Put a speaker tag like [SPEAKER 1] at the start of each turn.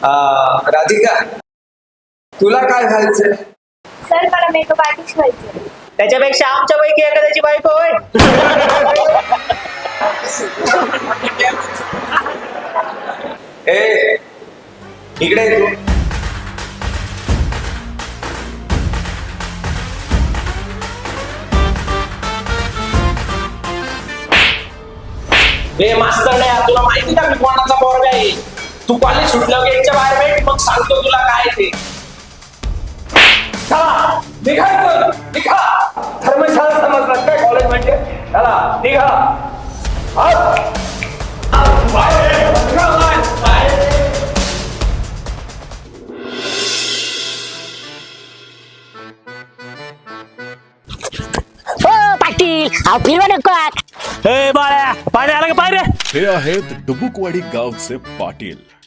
[SPEAKER 1] राधिका, तुला काय घालायचंय?
[SPEAKER 2] सर मला मेकअप आर्टिस्ट व्हायचं.
[SPEAKER 3] त्याच्यापेक्षा आमच्या पैकी एखाद्याची बायको होय.
[SPEAKER 1] ए इकडे ये तू.
[SPEAKER 4] हे मास्तर नाही, तुला माहिती का मी कोणाचा पोरगा आहे? तू कॉलेज सुटलं गेटच्या बाहेर भेट, मग सांगतो तुला काय ते. चला निघायचं, निघा. धर्मशाळा समजलं काय कॉलेज म्हणजे? चला निघा. बाहेर, निघा, बाहेर.
[SPEAKER 5] हो पाटील, अहो फिरवा नको.
[SPEAKER 6] ए बाळ्या, पाणी आलं का पाय रे?
[SPEAKER 7] हे आहेत डुबुकवाडी गावचे पाटील.